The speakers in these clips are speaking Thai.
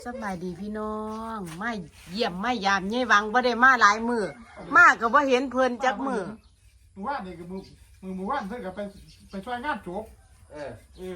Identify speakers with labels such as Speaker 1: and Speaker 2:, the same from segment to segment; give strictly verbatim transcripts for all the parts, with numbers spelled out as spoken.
Speaker 1: สบายดีพี่น้องไม่เยี่ยมไม่ยามยี่วังบ่ได้มาหลายมือมาก็บ่เห็นเพิ่นจักมือ
Speaker 2: มือว่านนี่ก็มือมือมือว่านเพิ่นก็ไปไปช่วยงานจบ
Speaker 3: เออ
Speaker 2: เออง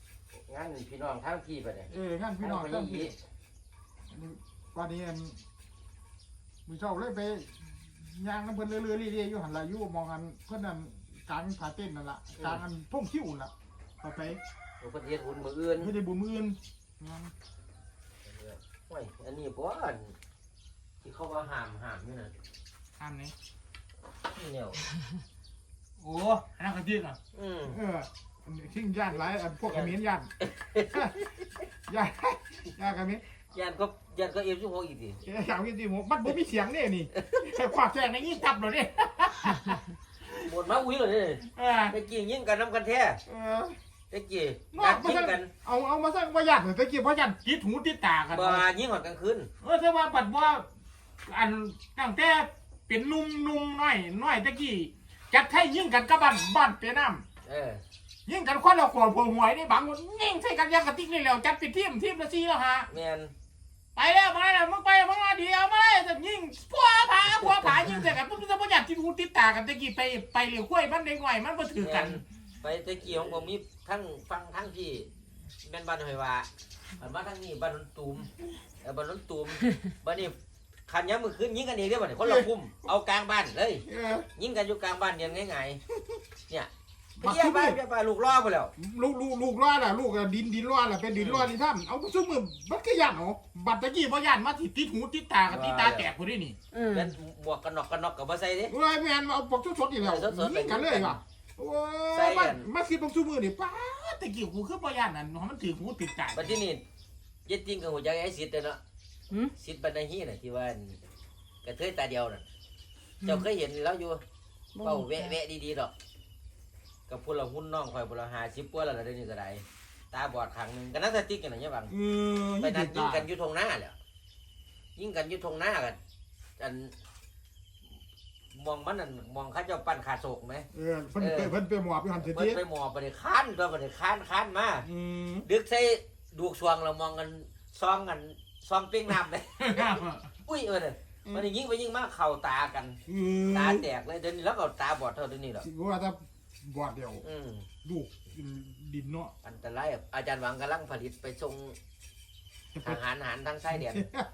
Speaker 3: านพี่น้องทั้งพี่ไปเนี่ย
Speaker 2: เอองานพี่น้อง
Speaker 3: ทั้
Speaker 2: ทั้
Speaker 3: ง
Speaker 2: ง
Speaker 3: พี่
Speaker 2: พี่วันนี้อันมือเช้าเลยไปย่างน้ำเพิ่นเรื่อยๆเรื่อยๆอยู่หันละอยู่มองกันเพิ่นนั่นกลางผาเต้นนั่นล่ะกลางอันท่งคิ้วนั่นล่ะเข้าไป
Speaker 3: ผมก็เฮ็ดหุ่นมืออื่น
Speaker 2: ไม่ได้บุญมืออื่นงาน
Speaker 3: โอ้ยอันนี้บ่อันที่เขาว่าห้ามห้ามนี่น่ะ
Speaker 2: ทานนี้
Speaker 3: นี่แนว
Speaker 2: โอ้อันนั้นก็จริงอ่ะ
Speaker 3: อืม
Speaker 2: เออทิ้งย่านหลายอันพวกเขมิ้นย่าน ย่านย่านเขมิ้น
Speaker 3: ยานก็ยานก็เอฟสิบหกอีกดิ
Speaker 2: เอ้ยอย่างนี้สิผมมันบ่มีเสียงเนี่ยนี่แค่ควากแจ้งในยี่ตับเลยเนี่ย
Speaker 3: บ่นมาอุ้ยเลยนี่
Speaker 2: เออ
Speaker 3: ตะกี้ยิงกันนํกันแท้
Speaker 2: เออ
Speaker 3: ตะกี้
Speaker 2: นอ
Speaker 3: การ
Speaker 2: กมา
Speaker 3: ยิง
Speaker 2: สั่ง
Speaker 3: กัน
Speaker 2: เอาเอามาสั่งว่ายัดตะกี้เพราะยัดติดหูติดตากัน
Speaker 3: บ่ยิงหอดกลางคืน
Speaker 2: เออแต่ว่าปัดว่าอันตั้งแต่เป็นหนุ่มหนุ่มน้อยน้อยตะกี้จัดให้ยิงกันกับบ้านบ้านเปียน้
Speaker 3: เออ
Speaker 2: ำยิงกันคนละขวดพวงหวยนี่บางคนยิงใส่กันยางกระติกนี่แล้วจัดเป็นทีมทีมละสี่แล้วฮะ
Speaker 3: แม่น
Speaker 2: ไปแล้วมาแล้วมึงไปมึงมาเดียวมาเลยแต่ยิงพัวผาพัวผายิงใส่กันมึงจะบ่ยัดติดหูติดตากันตะกี้ไปไปเหลียวคุ้ยมันเด็กหน่อยมันบ่ถือกัน
Speaker 3: ไปตะกี้ของผมมีทั้งฟังทั้งพี่แม่นบ้านหอยว่าบ้านมาทั้งนี้บ้านนนตูมเออบ้านนนตูมบ้านนี้คันยามมื้อคืนยิงกันเองเด้อบัดนี้คนละพุ่มเอากลางบ้านเลย
Speaker 2: เออ
Speaker 3: ยิงกันอยู่กลางบ้านเดียนง่ายๆเนี่ย
Speaker 2: บัก
Speaker 3: เพี้ย
Speaker 2: ซุ่ม
Speaker 3: ไป
Speaker 2: นี่
Speaker 3: เพี้ยไปลูกล่อไปแล้ว
Speaker 2: ลูกลูกลูกร้อนล่ะลูกอะดินดินร้อนล่ะเป็นดินร้อนนี่ท่านเอาซุ่มมือบัดก็ยันเหรอบัดตะกี้บ่ยันมาติดติดหูติดตากับติดตาแตกพอดีนี่
Speaker 1: อืม
Speaker 3: เป็นหมวกกันน็อกกันน็อกกับมาใส่ดิ
Speaker 2: เอ้ยแม่นเอาปกสดๆอีกแล้ว
Speaker 3: สดๆ
Speaker 2: ยิงกันเลยว่ะโอ้
Speaker 3: ใส่
Speaker 2: ย
Speaker 3: กั
Speaker 2: มาน มาสิบักซุ่มมือนี่ป้าดตะกี้กูคือบ่ยันนั่นมันถือหูติดตา
Speaker 3: บัดที่นี่เย็ดจริงกับหัวใจไอ้สิทธิ์เนาะ
Speaker 1: หืม
Speaker 3: สิทธิ์บรรณฮีน่ะที่ว่ากระเทยตาเดียวน่ะเจ้าเคยเห็นแล้วอยู่เป้าแวะแวะดีๆดอกกับพวกเราหุ้นน้องคอยพวกเราหาชิปปัวแล้วล่ะเดี๋ยวนี้ก็ได้ตาบอดข้างหนึงกันนักสติ๊กกันน่ะเนี่ยบัง
Speaker 2: เออ
Speaker 3: ไปนัดยิงกันอยู่ทงหน้าแหละยิงกันอยู่ทงหน้ากันอันมองมันนั่นมองเข้าเจ้าปั้นขาโศกไหม
Speaker 2: เออเพิ่นไปเพิ่นไปหมอบอยู่หั่นเสีย
Speaker 3: เปิ
Speaker 2: ที
Speaker 3: ดไปหมอบไปเลยค้านตัวไปเลยค้านค้านมา
Speaker 2: อืม
Speaker 3: ดึกใส่ดูกสวงเรามองกันซองกันซองเป้งน้ำเลย อุ้ยเออเนี่ยมันยิงไปยิงมาเข่าตากัน
Speaker 2: เออ
Speaker 3: ตาแตกเลยเดี๋ยวนี้แล้วก็ตาบอดเท่าเดี๋ยวนี้หรอก
Speaker 2: สิว่าถ้าบอดเดียว
Speaker 3: อืม
Speaker 2: ลูกดินเนาะ
Speaker 3: อันตรายอะอาจารย์หวังกำลังผลิตไปส่งทหารหารทางชายแดน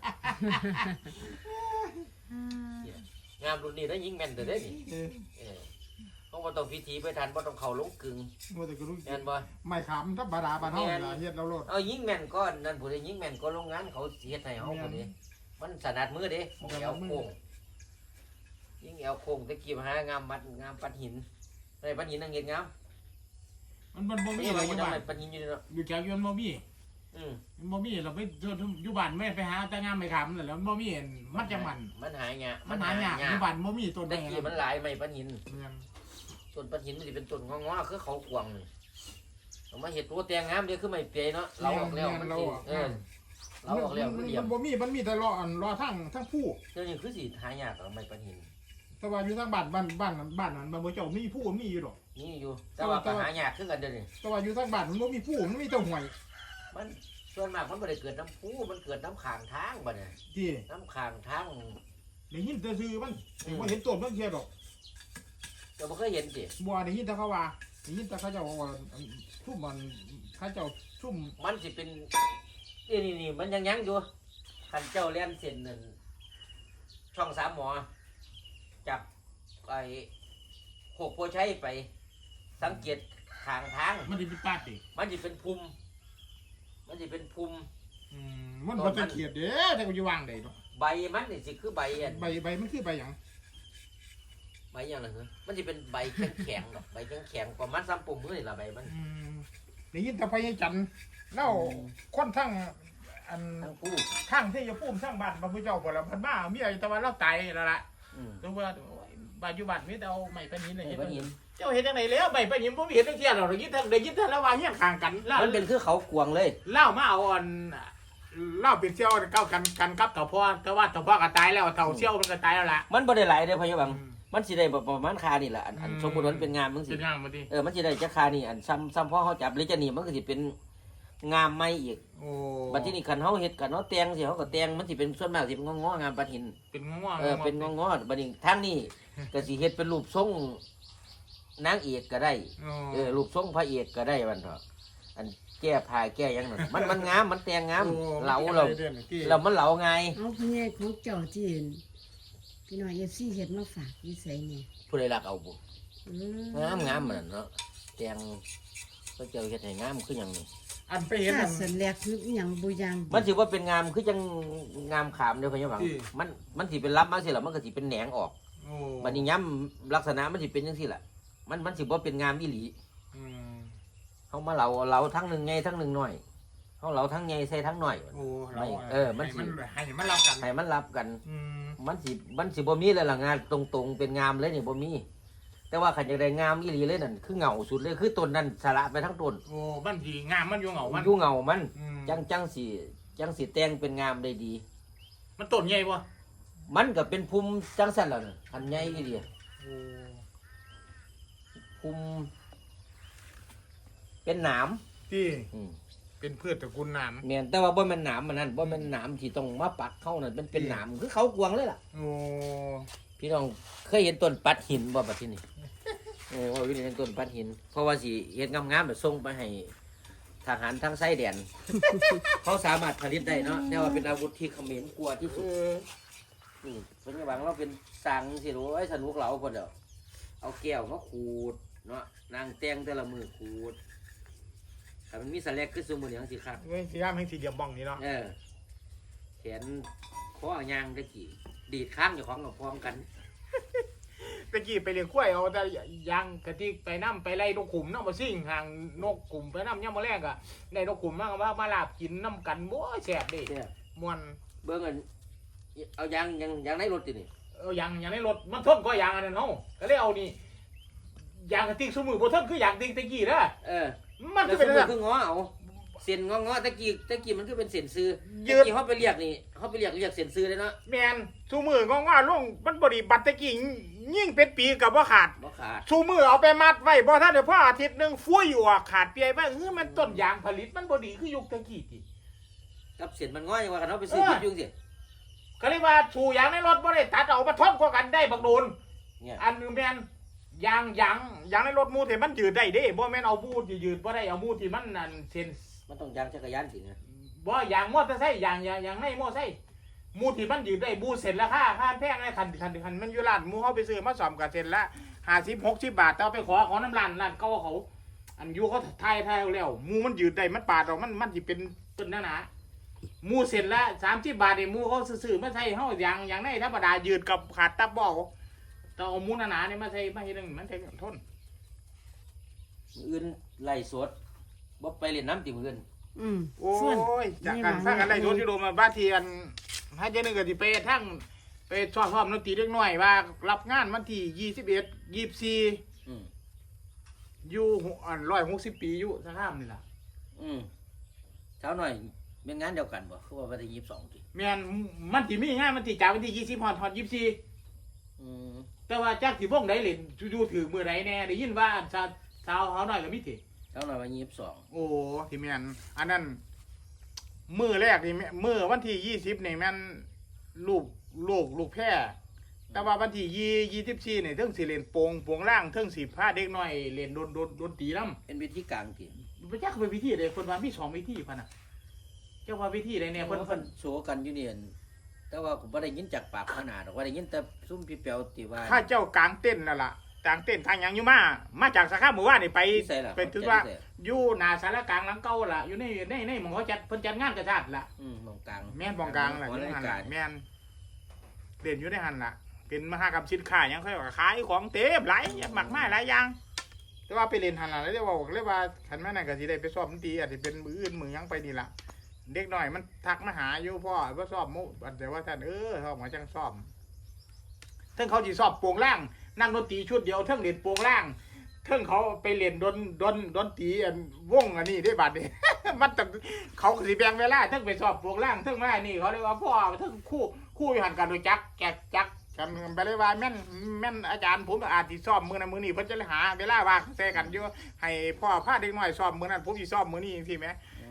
Speaker 3: งามรุ่นนี้ได้ยิงแม่นแต่ได้นี่
Speaker 2: เออ
Speaker 3: เออต้องว่าต้องพิธีไปทันว่าต้องเข่าลงกึ่ง
Speaker 2: ว่าแต่ก็รู้
Speaker 3: แม่นบ่
Speaker 2: ไม่ขำถ้าบาดาบาดเฮาล่ะเฮ็ดเราโลด
Speaker 3: เอายิงแม่นก้อนนั่นผู้ใดยิงแม่นก็โรงงานเขาเฮ็ดให้เฮาผู้นี้มันสนัดมือเด้ของแอวโค้งยิงแอวโค้งตะกี้มาหางามมัดงามปัดหินได้ปัดหินนั่งเฮ็ดงาม
Speaker 2: มันมันบ่มี
Speaker 3: นี่
Speaker 2: อะไร
Speaker 3: มัน
Speaker 2: อยู่
Speaker 3: จะ
Speaker 2: บ้าน
Speaker 3: ไม่ปัดหินอยู่เนาะ
Speaker 2: อยู่แถวอยู่มันบ่มี
Speaker 3: อืม
Speaker 2: มันบ่มีเราไปอยู่บ้านไม่ไปหาแต่งามไม่ขำนั่นแหละมันบ่มีมันจะมัน
Speaker 3: มันหายาก
Speaker 2: มันหายากอยู่บ้านบ่มีต้น
Speaker 3: ตะ
Speaker 2: ไม้
Speaker 3: กี้มันหลายไม่ปัดหิน
Speaker 2: แม่น
Speaker 3: ต้นปัดหินมันสิเป็นต้นงอๆคือเขากวางนี่เอามาเฮ็ดตัวแต่งงามเด้อคือไม่เปียเนาะเราออกแล้วมันสิเออเราออกแล้วมันเหลี่ยม
Speaker 2: มันบ่มีมันมีแต่รออันรอทั้งทั้งผู้
Speaker 3: เดี๋ยวนี้คือสิหายากเอาไม่ปัดหิน
Speaker 2: แต่ว่าอยู่ทางบ้านบ้านบ้านนั้นบ้านนั้นมันบ่เจ้ามีผู้มีอยู่ดอก
Speaker 3: นี่อยู่แต่ว่าก็หายากคือกันเดี๋ยวนี้
Speaker 2: แต่ว่าอยู่ทางบ้านมันบ่มีผู้มันมีแต่ห้วย
Speaker 3: มันส่วนมากมันไม่ได้เกิดน้ำพุมันเกิดน้ำขางทางบ่เนี่ย
Speaker 2: ที่
Speaker 3: น้ำขางทาง
Speaker 2: ได้ยินแต่ชื่อมันบ่เห็นต้นมันเทียดอก
Speaker 3: เราไม่เคยเห็นสิ
Speaker 2: บ่ได้ยินแต่เขาว่าได้ยินแต่เขาเจ้าว่าชุ่มมันเขาเจ้าชุ่ม
Speaker 3: มันสิเป็นนี่นี่นี่มันยังยังอยู่ขันเจ้าเลี้ยนเส้นนั่นช่องสามหมอจับไอ้โขกโพชัยไป สังเกตทางทาง
Speaker 2: มันสิเป็นปาดติ
Speaker 3: มันจะเป็นภูมิมันจะเป็นภูมิ
Speaker 2: อืมมันบ่ตะเกียดเด้แต่ก็อยู่วางได้เนาะ
Speaker 3: ใบมันนี่สิคือใบอัน
Speaker 2: ใบใบมันคือใบหยัง
Speaker 3: ใบอย่างไรเหรอมันจะเป็นใบแข็งแข็งๆหรอกใบแข็งแข็งๆประมาณซ้ำปุ่มมือนี่ละใบมัน
Speaker 2: อืมได้ยินแต่พญาจันทร์แล้วคนทั้งอัน
Speaker 3: ทั้งผู้
Speaker 2: ทั้งที่จะพูมทั้งบ้านพระพุทธเจ้าบ่ละเพิ่นมามีอะไรแต่ว่าเราตายแล้วล่ะ
Speaker 3: อืม
Speaker 2: แต่ว่าบ้านอยู่บ้านมีแต่เอาไม้ปะหินน่ะ
Speaker 3: ใบ
Speaker 2: เฮ็ด
Speaker 3: มันหิน
Speaker 2: เจ้าเฮ็ดจังได๋แล้วไม้ปะหินบ่มีเฮ็ดจังเที่ยหรอกได้ยินแต่ได้ยินแต่ละว่าเฮียงข้างกันแล้ว
Speaker 3: มันเป็นคือเขากวางเลย
Speaker 2: เล่ามาเอาอันเล่าเป็นเสี่ยวเก้ากันกันกับเต่าพ่อแต่ว่าเต่าพ่อก็ตายแล้วเต่าเสี่ยวมันก็ตายแล้วล่ะ
Speaker 3: มันบ่ได้หลายเด้อพะยะบัง มันสิได้ประมาณคานี่แหละอันอัน
Speaker 2: อืม
Speaker 3: สมมุติว่ามันเป็นงานมึงสิ
Speaker 2: เป็นงานมาดิ
Speaker 3: เออมันสิได้จักคานี่อันซ้ำซ้ำพ่อเขาจับหรือจะหนีมันก็สิเป็นงามไม่อีก
Speaker 2: โอ้
Speaker 3: บัดที่นี่คันเฮาเฮ็ดกันเฮาแต่งสิเฮาก็แต่งมันสิเป็นส่วนมากสิเป็นงอๆงามปัดหิน
Speaker 2: เป็นง่วง
Speaker 3: เออเป็นงอๆบัดนี้ทางนี้ก็สิเฮ็ดเป็นรูปทรงนางเอกก็ได้เออรูปทรงพระเอกก็ได้บัดเถาะอันแก้ผ้าแก้หยังนั่นมันมันงามมันแต่งงามเหลาเราเรามันเหลาไง
Speaker 1: เอาพี่ใหญ่ของเจ้าที่เห็นพี่น้อยเอฟซีเฮ็ดมาฝากนิสัยเนี่ย
Speaker 3: ผู้ใดรักเอาบ่
Speaker 1: อืม
Speaker 3: งามงามมันเนาะแต่งก็เจ้าเฮ็ดให้งามคือหยังนี่
Speaker 2: อันไปเห็น
Speaker 1: ถ้า
Speaker 2: อัน
Speaker 1: สันแลกคืออหยังบ่ยัง
Speaker 3: มันสิว่าเป็นงามคือจังงามขามเด้อพ่อใหญ่หวัง
Speaker 2: ที่
Speaker 3: มันมันสิเป็นรับมาสิล่ะมันก็สิเป็นแหนงออก
Speaker 2: โอ้
Speaker 3: บัดนี้ย้ำลักษณะมันสิเป็นจังซี่ล่ะมันมันสิบ่เป็นงามอีหลี
Speaker 2: อืม
Speaker 3: เฮามาเหลาเหลาทั้งหนึงใหญ่ทั้งหนึงน้อยเฮาเหลาทั้งใหญ่ใส่ทั้งน้อย
Speaker 2: โอ้เรา
Speaker 3: เออมันสิ
Speaker 2: ให้มันรับกัน
Speaker 3: ให้มันรับกัน
Speaker 2: อืม
Speaker 3: มันสิมันสิบ่มีเลยล่ะงานตรงๆเป็นงามเลยนี่บ่มี แต่ว่าขันอยากได้งามอีหลีเลยนั่นคือเหงาสุดเลยคือต้นนั้นสละไปทั้งต้น
Speaker 2: โอ้มันดีงามมันอยู่เหงามัน
Speaker 3: อยู่เหงามัน
Speaker 2: อืม
Speaker 3: จังจังสิจังสิแต่งเป็นงามได้ดี
Speaker 2: มันต้นใหญ่บ่
Speaker 3: มันก็เป็นภูมิจังสั่นแล้วน่ะอันใหญ่อีหลี
Speaker 2: โอ้
Speaker 3: ภูมิเป็นหนาม
Speaker 2: ที่
Speaker 3: อืม
Speaker 2: เป็นพืชตระกูลน้
Speaker 3: แม่นแต่ว่าบ่แม่นหนามมันนั่นบ่แม่นหนามที่ต้องมาปักเข้านั่นเป็นเป็นหนามคือเขากวางเลยล่ะ
Speaker 2: ำโอ้
Speaker 3: พี่น้องเคยเห็นต้นปัดหินบ่บัดที่นี่เออว่าวิธีเห็นต้นปัดหิน เพราะว่าสิเฮ็ดงามๆแบบส่งไปให้ทหารทางไส้แดน เขาสามารถผลิตได้เนาะแต่ว่าเป็นอาวุธที่เขมรกลัวที่
Speaker 2: เอ
Speaker 3: สุด
Speaker 2: อ
Speaker 3: นี่เป็นหวังเราเป็นสังสิรู้ไอ้สนุกเราคนเดียวเอาแก้วมาขูดเนาะนางแต่งแต่ละมือขูดแต่มันมีสแลกขึ้นสูงมืออย่างสิครับ
Speaker 2: เว้ยสีดำให้สีเดียมบ้องนี่เนาะ
Speaker 3: เออแขนข้อยางตะกี้ดีดข้างอยู่ของกับพร้อมกัน
Speaker 2: ตะกี้ไปเลี้ยงกล้วยเอาแต่ยางกะทิไปน้ำไปไล่นกขุมน้ำมาซิ่งห่างนกขุมไปน้ำย่ำมาแรกอะได้นกขุมมากว่ามาลาบกินน้ำกันบ่แสบเดิ
Speaker 3: เนี่ย
Speaker 2: มวน
Speaker 3: เบิ้งอันเอายางยางยางในรถตินี่
Speaker 2: เอายางยางในรถมันทนก็ยางอันนั้นเนาะก็เลยเอานี่ยางกะทิสมือบ่ทนคือยางติงตะกี้นะ
Speaker 3: เออ
Speaker 2: มัน
Speaker 3: แล้
Speaker 2: ก็
Speaker 3: วส
Speaker 2: เป็น
Speaker 3: ม
Speaker 2: แบบ
Speaker 3: คือง้อเอาเส้นงอๆตะกี้ตะกี้มันคือเป็นเส้นซื้อ
Speaker 2: ยื
Speaker 3: ตะ
Speaker 2: ด
Speaker 3: กี้เขาไปเรียกนี่เขาไปเรียกเรียกเส้นซื้อเลยเนาะ
Speaker 2: แมนสูมืององๆลงมันบริบัติตะกี้ยิ่งเป็นปีกับว่าขาด
Speaker 3: บ่ขาด
Speaker 2: สูมือเอาไปมัดไว้บ่ท่านเดี๋ยวพ่ออาทิตย์หนึงฟุ้ยอยู่อ่ะขาดเปียไปเออมันต้นยางผลิตมันบ่ดีคือยุคตะกี้ติ
Speaker 3: กับเส้นมันง้ออย่างว่ากันเขาไปซื้อคิดยุ่งสิ
Speaker 2: ก็เลยว่าสูยางในรถบ่ได้ตัดเอามาทนกว่ากันได้บักโดน
Speaker 3: เนี่ย
Speaker 2: อันหนึงแม่นยางยางยางในรถมูที่มันยืดได้เด้บ่แม่นเอามูที่ยืดบ่ได้เอามูที่มันนั่นเส้น
Speaker 3: มันต้องยางจักรยานสินะ
Speaker 2: บ่ยางมอเตอร์ไซค์ยางยางยางในมอเตอร์ไซค์มูที่มันยืดได้มูเสร็จราคาค่าแพงนะคันคันคันมันอยู่ร้านมูเฮาไปซื้อมาซ่อมก็เสร็จละห้าสิบ หกสิบบาทแต่เอาไปขอขอน้ำร้านร้านเก่าเขา อันอยู่เขาทายทายเอาแล้วมูมันยืดได้มันปาดออกมันมันสิเป็นต้นหนาๆมูเสร็จละสามสิบบาทนี่มูเขาซื้อๆมาใส่เฮาอย่างอย่างในธรรมดายืดกับขาดตับบ่เอาแต่เอามูหนาๆนี่มาใส่มาเฮ็ดจังมันใช้ทน
Speaker 3: มื้ออื่นไล่สดบ่ไปเล่นน้ำติมื้ออื่น
Speaker 1: อืม
Speaker 2: โอ้
Speaker 1: ส่วน
Speaker 2: ยจากกันถ้ากันได้โดนที่โดนมาบ้านเทียนให้เจนึงก็สิไปทั้งไปสอบพร้อมดนตรีเล็กน้อยว่ารับงานวันที่ยี่สิบเอ็ดยี่สิบสี่
Speaker 3: อืม
Speaker 2: อยู่อันร้อยหกสิบปีอยู่สะข้ามนี่ล่ะ
Speaker 3: อืมเช้าหน่อยเป็นงานเดียวกันบ่คือว่าวันที่ยี่สิบสองติ
Speaker 2: แม่นมันที่มีงานมันที่จากวันที่ยี่สิบฮอดฮอดยี่สิบสี่
Speaker 3: อืม
Speaker 2: แต่ว่าจากที่วงใดเล่นอยู่ถือมือใดแน่ได้ยินว่าสาวสาวเขาหน่อยก็มีติ
Speaker 3: เช้าหน่อยวันยี่สิบสอง
Speaker 2: โอ้ที่แม่นอันนั้นมือแรกนี่แม่มือวันที่ยี่สิบนี่แม่นลูกลูกลูกแพร่แต่ว่าวันที่ยี่ยี่สิบสี่นี่เทิงสิเล่นโปงโปงล่างเทิงสิพาเด็กน้อยเล่นโดนโดนโดนตีน้ำ
Speaker 3: เป็นวิธีกลางติ
Speaker 2: พระเจ้าเป็นวิธีใดคนว่ามีสองวิธีพันน่ะเจ้าว่าวิธีใดเนี่ย
Speaker 3: เพิ่
Speaker 2: เพิ่
Speaker 3: น
Speaker 2: น
Speaker 3: เพิ่
Speaker 2: เพิ่
Speaker 3: น
Speaker 2: น
Speaker 3: โซกันอยู่นี่อั่นแต่ว่าผมบ่ได้ยินจากปากขนาดหรอกว่าได้ยินแต่ซุ่มพี่เปียวติว่า
Speaker 2: ข้าเจ้ากลางเต้นนั่นล่ะกลางเต้นทางหยังอยู่มามาจากสาขาหมู่บ้านนี่ไป
Speaker 3: ที่ใส่ล่ะ
Speaker 2: เป็นถือว่าอยู่หน้าสารกลางหลังเก่าล่ะอยู่ในในในหมองเขาจัดเพิ่นจัดงานกระชาติล่ะ
Speaker 3: อืมมองกลาง
Speaker 2: แม่นบองกลางล่ะ
Speaker 3: ห
Speaker 2: อ
Speaker 3: อยู่
Speaker 2: ใน
Speaker 3: ใน
Speaker 2: หัน
Speaker 3: กา
Speaker 2: ล่ะ
Speaker 3: ร
Speaker 2: แม่นเด่นอยู่ในหันล่ะ เป็นมหากรรมสินค้าหยังค่อยว่าขายของเต็มหลายหมากไม้หลายอย่าง แต่ว่าไปเล่นหันล่ะแล้วเรียกว่าเรียกว่าคันแม่นั่นก็สิได้ไปสอบดนตรีอาจจะเป็นมืออื่นมือหยังไปนี่ล่ะเด็กน้อยมันทักมาหาอยู่พ่อว่าสอบมุแต่ว่าท่านเออเขามาจังสอบเทิงเขาสิสอบโปวงล่างนั่งดนตรีชุดเดียวเทิงเล่นโปวงล่างเทิงเขาไปเล่นดนดนดนตรีอันวงอันนี้ได้บัดนี้ มันต้องเขาก็สิแบ่งเวลาเทิงไปสอบโปวงล่างเทิงมานี่เขาเรียกว่าพ่อเทิงคู่คู่อยู่หันกันโดยจักแกกจักกันไปเลยว่าแม่นแม่นอาจารย์ผมอาจสิสอบมือนั้นมือนี้เพิ่นจะเลยหาเวลาว่างแซ่กันอยู่ให้พ่อพาเด็กน้อยสอบมือนั้นผมสิสอบมือนี้จังซี่แหม
Speaker 3: อืม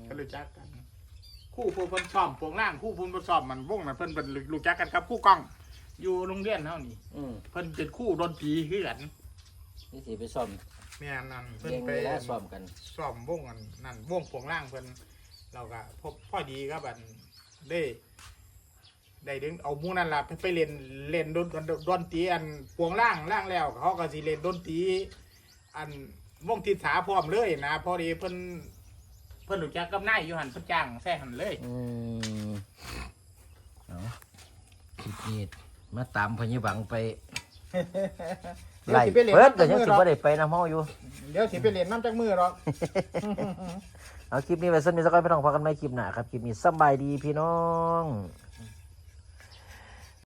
Speaker 2: ก็รู้จักกันคู่ผู้เพิ่นซ้อมพวงล่างคู่ผู้เพิ่นซ้อมมันวงนั้นเพิ่นเป็นรู้จักกันครับคู่กล้องอยู่โรงเรียนเฮานี่
Speaker 3: อืม
Speaker 2: เพิ่นเป็นคู่ดนตรีคือกัน
Speaker 3: นี่สิไปซ่อม
Speaker 2: แม่นนั่นเพิ่น
Speaker 3: เลี้ยง
Speaker 2: ไป
Speaker 3: เวลาซ่อมกัน
Speaker 2: ซ้อมวงกันนั่นวงพวงล่างเพิ่นเราก็พบพอดีครับอันได้ได้ดึงเอาหมู่นั่นล่ะไปเล่นเล่นดนดนตรีอันพวงล่างล่างแล้วเขาก็สิเล่นดนตรีอันวงทิศาพร้อมเลยนะพอดีเพิ่นเพิ่นรู้จักกับนายอยู่หันเพิ่นจ้างแซ่หันเลย
Speaker 3: อืมเอาคลิปนี้มาตามพญบังไป
Speaker 2: เดี๋ยวสิไปเล่น
Speaker 3: เบิดก็
Speaker 2: น้ำจั
Speaker 3: ยัง
Speaker 2: กมือ
Speaker 3: สิ
Speaker 2: หรอก
Speaker 3: บ่ได้ไปนำเฮาอยู่
Speaker 2: เดี๋ยวสิไปเล่นน้ำจักมือหรอก
Speaker 3: เอาคลิปนี้ไว้สักนิดสักก่อนพี่น้องพอกันใหม่คลิปหน้าครับคลิปนี้สำบายดีพี่น้อง